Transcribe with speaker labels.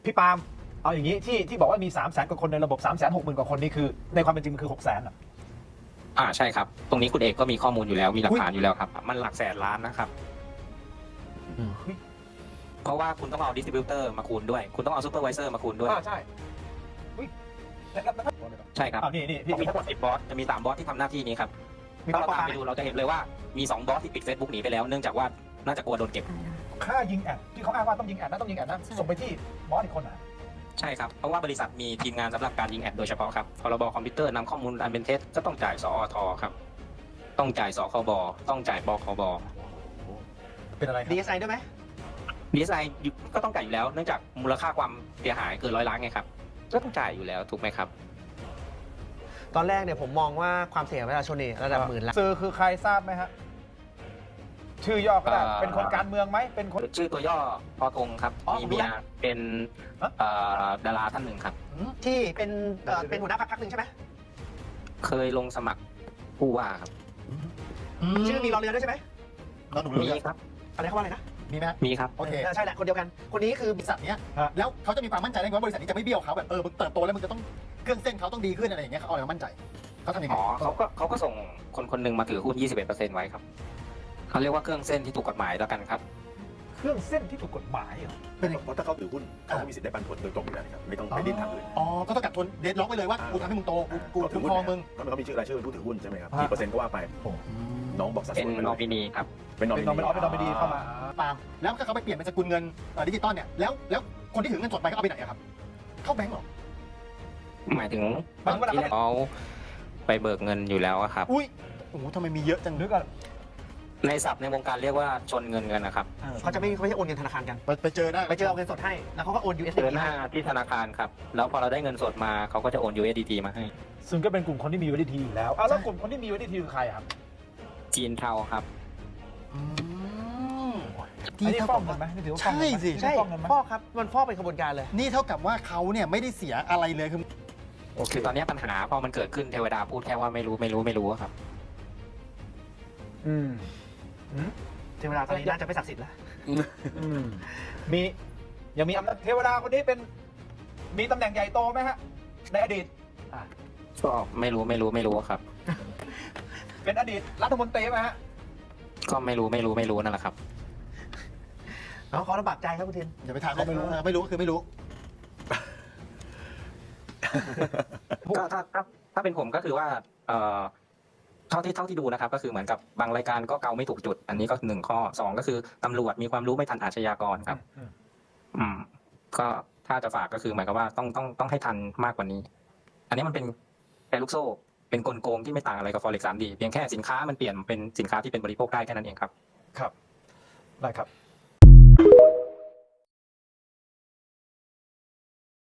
Speaker 1: พี่ปาล์มเอาอย่างนี้ที่บอกว่ามี 300,000 กว่าคนในระบบ 360,000 กว่าคนนี่คือในความเป็นจริงมันคือ 600,000 อ่ะ
Speaker 2: ใช่ครับตรงนี้คุณเอกก็มีข้อมูลอยู่แล้วมีหลักฐานอยู่แล้วครับมันหลักแสนล้านนะครับเพราะว่าคุณต้องเอาดิสติบิวเตอร์มาคูณด้วยคุณต้องเอาซูเปอร์วิเซอร์มาคูณด้วย
Speaker 1: ใช่
Speaker 2: ใช่ครับ
Speaker 1: นี่
Speaker 2: มีทั้งหมด10 บอสจะมี3 บอสที่ทำหน้าที่นี้ครับถ้าเราตามไปดูเราจะเห็นเลยว่ามี2 บอสที่ปิด Facebook หนีไปแล้วเนื่องจากว่าน่าจะกลัวโดนเก็บ
Speaker 1: ค่ายิงแอดที่เขาอ้างว่าต้องยิงแอดนะส่งไปที่บอสอีกคนอ่ะ
Speaker 2: ใช่ครับเพราะว่าบริษัทมีทีมงานสำหรับการยิงแอดโดยเฉพาะครับพรบคอมพิวเตอร์นำข้อมูลอันเป็นเท็จก็ต้องจ่ายสอทครับต้องจ่ายสคบต้องจ่ายบคบ
Speaker 1: เป็นอะไร
Speaker 3: DSI ด้วยไหม
Speaker 2: DSI ก็ต้องจ่ายอยู่แล้วเนื่องจากมูลค่าความเสียหายเกิน100 ล้านไงครับก็ต้องจ่ายอยู่แล้วถูกไหมครับ
Speaker 3: ตอนแรกเนี่ยผมมองว่าความเสี่ยงประชาชนนี่ระดับหมื่นล้าน
Speaker 1: สื่อคือใครทราบไหมฮะชื่อย่อก็ได้เป็นคนการเมืองไหมเป็นคน
Speaker 2: ชื่อตัวย่อพอทงครับมีเมียเป็นดาราท่านหนึ่งครับ
Speaker 3: ที่เป็นหัวหน้าพรรคหนึ่งใช่ไหม
Speaker 2: เคยลงสมัครผู้ว่าครับ
Speaker 3: ชื่อมีรอเรือด้วยใช่ไหม
Speaker 2: มีครับ
Speaker 3: อะไรเขาว่าอะไรนะ
Speaker 1: มีไหม
Speaker 2: มีครับ
Speaker 3: โอเคใช่แหละคนเดียวกันคนนี้คือบริษัทเนี้ย
Speaker 4: แล้วเขาจะมีความมั่นใจได้ว่าบริษัทนี้จะไม่เบี้ยวเขาแบบมึงเติบโตแล้วมึงจะต้องเครื่องเส้นเขาต้องดีขึ้นอะไรอย่างเงี้ยเขาเอาอะไรมั่นใจเขาทำยังไง
Speaker 2: เขาก็ส่งคนหนึ่งมาถือหุ้น 21% ไว้ครับเขาเรียกว่าเครื่องเส้นที่ถูกกฎหมายแล้วกันครับ
Speaker 1: เครื่องเส้นที่ถูกกฎหมายเหรอ
Speaker 5: เพราะถ้าเขาถือหุ้นเขามีสิทธิ์ได้ปันผลโดยตรงอยู่แล้วครับไม่ต้องไปดิ้นทางอื่น
Speaker 4: ก็ต้องกัดทุนเดดล็อกไปเลยว่ากูทำให้มึงโตกูถือหุ้นมึง
Speaker 5: เขามีชื่อรายชื่อเป็นผู้ถือหุ้นใช่ไหมครับกี่เปอร์เซ็นต์ก็ว่าไปน้องบอกสัดส่วน
Speaker 2: เป็นนอมินีครับ
Speaker 5: เป็นนอมินี
Speaker 1: เข้ามา
Speaker 4: ปาล์มแล้วถ้าเขาไปเปลี่ยนเป็นสกุลเงินดิจิตอลเนี่ยแล้วคนที่ถือเงินสดไปเขาเอาไปไหนครับเข้าแบงก์หรอ
Speaker 2: หมายถึงที่เขาไปเบิกเงินอยู่แล้วครับ
Speaker 4: อุ้ยโอ้โหทำไมมีเยอะจัง
Speaker 1: นึกอะ
Speaker 2: ในศัพท์ในวงการเรียกว่าชนเงินกันนะครับ
Speaker 3: เขาจะไม่โอนเงินธนาคารกัน
Speaker 4: ไปเจอได้
Speaker 3: ไปเจอเอาเงินสดให้แล้วเขาก็โอน USDT
Speaker 2: เจอหน้าที่ธนาคารครับแล้วพอเราได้เงินสดมาเขาก็จะโอน USDT มาให้
Speaker 1: ซึ่งก็เป็นกลุ่มคนที่มี USDT อยู่แล้วแล้วกลุ่มคนที่มี USDT คือใครครับ
Speaker 2: จีนเทาครับ
Speaker 1: อันนี้ฟอกเงินไหมนี่ถือว่าฟอกเงินไหม
Speaker 3: ใช่ฟอกครับมันฟอกเป็นขบวนการเลย
Speaker 4: นี่เท่ากับว่าเขาเนี่ยไม่ได้เสียอะไรเลย
Speaker 2: คือตอนนี้ปัญหาพอมันเกิดขึ้นเทวดาพูดแค่ว่าไม่รู้ครับ
Speaker 3: เทวดาตอนนี้น่าจะไม่ศักดิ์สิทธิ์แล้ว
Speaker 1: ยังมีเทวดาคนนี้มีตำแหน่งใหญ่โตไหมฮะในอดีต
Speaker 2: ก็ไม่รู้ครับ
Speaker 1: เป็นอดีตรัฐมนตรีไหมฮะ
Speaker 2: ก็ไม่รู้นั่นแหละครับ
Speaker 3: เขาลำบากใจครับคุณทิน
Speaker 4: อย่าไปถามเขาไม่รู้คือไม่รู้
Speaker 2: ก็ถ้าเป็นผมก็คือว่าเท่าที่ดูนะครับก็คือเหมือนกับบางรายการก็เกาไม่ถูกจุดอันนี้ก็1 ข้อ 2ก็คือตำรวจมีความรู้ไม่ทันอาชญากรครับก็ถ้าจะฝากก็คือหมายความว่าต้องให้ทันมากกว่านี้อันนี้มันเป็นแชร์ลูกโซ่เป็นกลโกงที่ไม่ต่างอะไรกับ Forex 3D เพียงแค่สินค้ามันเปลี่ยนเป็นสินค้าที่เป็นบริโภคได้แค่นั้นเองครับ
Speaker 1: ครับได้ครับ